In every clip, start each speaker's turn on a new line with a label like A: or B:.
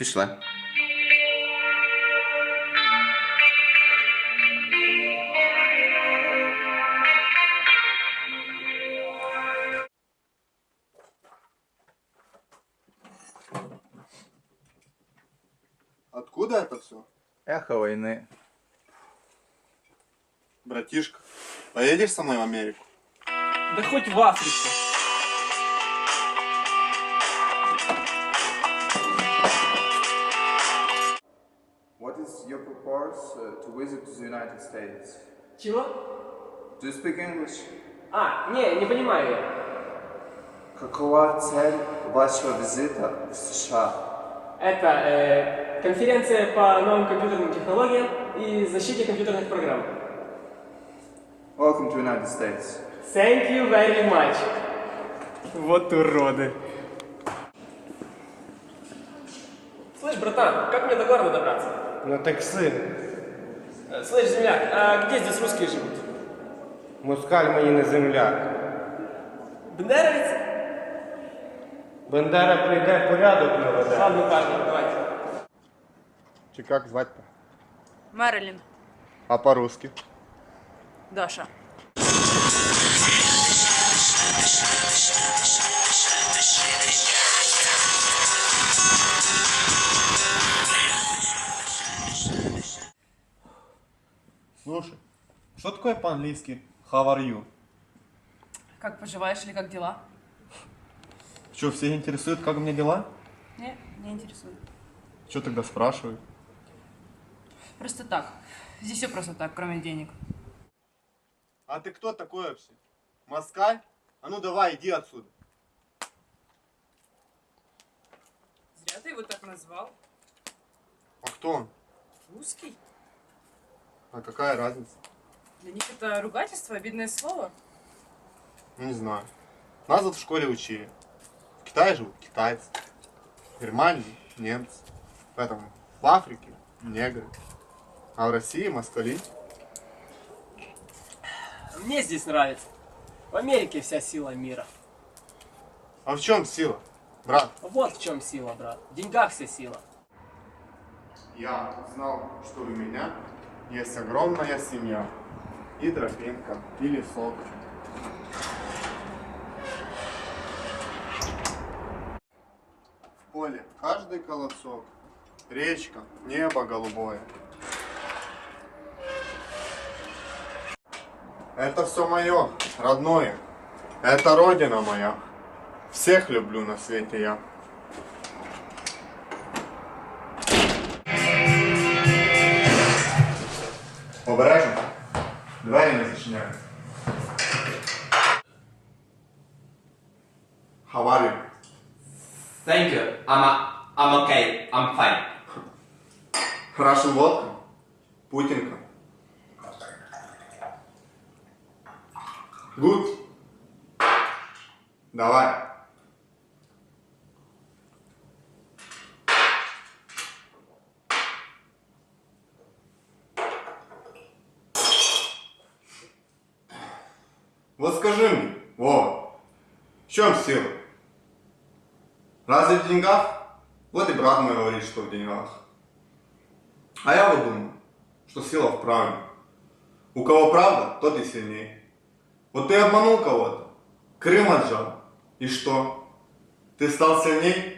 A: Пішли.
B: Откуда это все?
A: Эхо войны.
B: Братишка, поедешь со мной в Америку?
C: Да хоть в Африку.
A: What is your purpose to visit the United States?
C: Чего?
A: Do you speak English?
C: Не понимаю я.
A: Какова цель вашего визита в США?
C: Это конференция по новым компьютерным технологиям и защите компьютерных программ.
A: Welcome to United States.
C: Thank you very much. Вот уроды. Слышь, братан, как мне до города добраться?
D: На такси.
C: Слышь, земляк, а где здесь русские живут?
D: Москаль мені не земляк.
C: Бендеровец?
D: Бендера прийде, порядок наведе.
C: Ладно, парни, давайте.
B: Чи как звать-то?
E: Мэрилин.
B: А по-русски?
E: Даша.
B: Слушай, что такое по-английски how are you?
E: Как поживаешь или как дела?
B: Что, все интересует, как у меня дела?
E: Не интересует.
B: Что тогда спрашивают?
E: Просто так. Здесь все просто так, кроме денег.
B: А ты кто такой вообще? Москаль? А ну давай, иди отсюда.
E: Зря ты его так назвал.
B: А кто он?
E: Русский?
B: А какая разница?
E: Для них это ругательство, обидное слово.
B: Ну, не знаю. Нас вот в школе учили. В Китае живут китайцы. В Германии немцы. Поэтому в Африке негры. А в России москали.
C: Мне здесь нравится. В Америке вся сила мира.
B: А в чем сила, брат?
C: Вот в чем сила, брат. В деньгах вся сила.
B: Я узнал, что у меня есть огромная семья. И тропинка, и лесок. В поле каждый колосок. Речка, небо голубое. Это все мое, родное. Это родина моя. Всех люблю на свете я. Обережно. Двері не зачиняють. How are you?
F: Thank you. I'm okay. I'm fine.
B: Russian водка? Путинка? Good? Давай. Вот скажи мне, Вова, в чем сила? Разве в деньгах? Вот и брат мой говорит, что в деньгах. А я вот думаю, что сила в правде. У кого правда, тот и сильнее. Вот ты обманул кого-то, Крым отжал, и что? Ты стал сильней?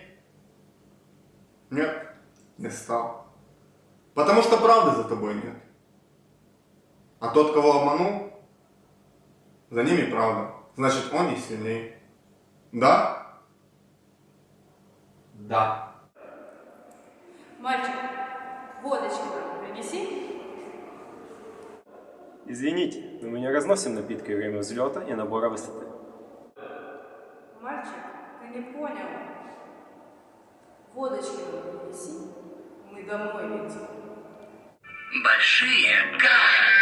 B: Нет, не стал. Потому что правды за тобой нет. А тот, кого обманул, за ними правда. Значит, он и сильней. Да?
F: Да.
E: Мальчик, водочки принеси.
G: Извините, но мы не разносим напитки во время взлета и набора высоты.
E: Мальчик, ты не понял. Водочки принеси. Мы домой летим.
H: Большие гора.